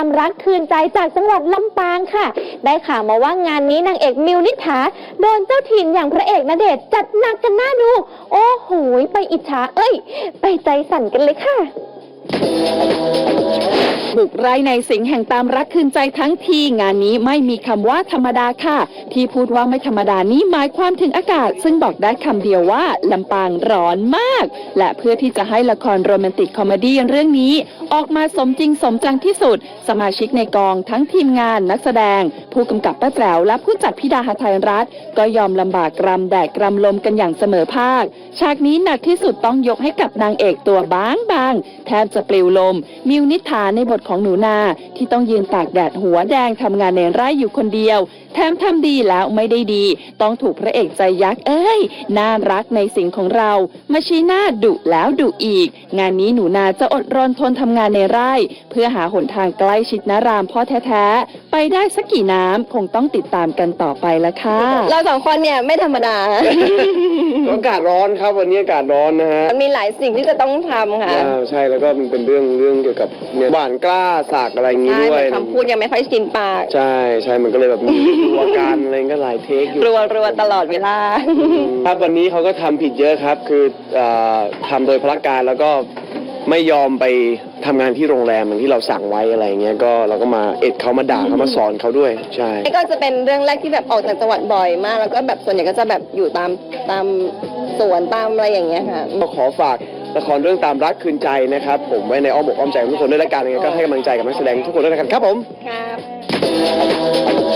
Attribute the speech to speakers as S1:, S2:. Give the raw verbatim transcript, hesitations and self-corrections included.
S1: ามรักคืนใจจากจังหวัดลำปางค่ะได้ข่าวมาว่างานนี้นางเอกมิวนิษฐาโดนเจ้าถิ่นอย่างพระเอกณเดชน์จัดหนักกันน่าดูโอ้โหไปอิจฉาเอ้ยไปใจสั่นกันเลยค่ะ
S2: บุกไร่ในสิงห์แห่งตามรักคืนใจทั้งทีงานนี้ไม่มีคำว่าธรรมดาค่ะที่พูดว่าไม่ธรรมดานี้หมายความถึงอากาศซึ่งบอกได้คำเดียวว่าลำปางร้อนมากและเพื่อที่จะให้ละครโรแมนติกคอมเมดี้เรื่องนี้ออกมาสมจริงสมจังที่สุดสมาชิกในกองทั้งทีมงานนักแสดงผู้กำกับป้าแจ๋วและผู้จัดพิดาหทัยรัตน์ก็ยอมลำบากกรำแดดกรำลมกันอย่างเสมอภาคฉากนี้หนักที่สุดต้องยกให้กับนางเอกตัวบางบางแทบจะปลิวลมมิวนิษฐาในบทของหนูนาที่ต้องยืนตากแดดหัวแดงทำงานในไร่อยู่คนเดียวแถมทำดีแล้วไม่ได้ดีต้องถูกพระเอกใจยักษ์เอ้ยน่ารักในสิ่งของเรามาชี้หน้าดุแล้วดุอีกงานนี้หนูนาจะอดรนทนทำงานในไร่เพื่อหาหนทางใกล้ชิดนารามพ่อแท้ๆไปได้สักกี่น้ำคงต้องติดตามกันต่อไปละค่ะ
S1: เราสองคนเนี่ยไม่ธรรมดา
S3: อากาศร้อนครับวันนี้อากาศร้อนนะฮะ
S1: มีหลายสิ่งที่จะต้องทำค่ะ
S3: ใช่แล้วก็มันเป็นเรื่องเรื่องเกี่ยวกับเนี่ยหวานกล้าสากอะไรอย่างงี้ด้วย
S1: คำพูดยังไม่ค่อยชินปาก
S3: ใช่ใช่มันก็เลยแบบมีตัวการอะไรก็หลายเทคอยู่
S1: รัวรัวตลอดเวลา
S3: ครับวันนี้เขาก็ทำผิดเยอะครับคือทำโดยพละการแล้วก็ไม่ยอมไปทำงานที่โรงแรมอย่างที่เราสั่งไว้อะไรเงี้ยก็เราก็มาเอ็ดเขามาด่าเขามาสอนเขาด้วยใช่
S1: ก็จะเป็นเรื่องแรกที่แบบออกจากจังหวัดบ่อยมากแล้วก็แบบส่วนใหญ่ก็จะแบบอยู่ตามตามสวนตามอะไรอย่างเงี้ยค่ะ
S3: ก็ขอฝากละครเรื่องตามรักคืนใจนะครับผมไว้ในอ้อมอกอ้อมใจของทุกคนด้วยละกันยังไงก็ให้กำลังใจกับนักแสดงทุกคนด้วยละกันครับผม
S1: ครับ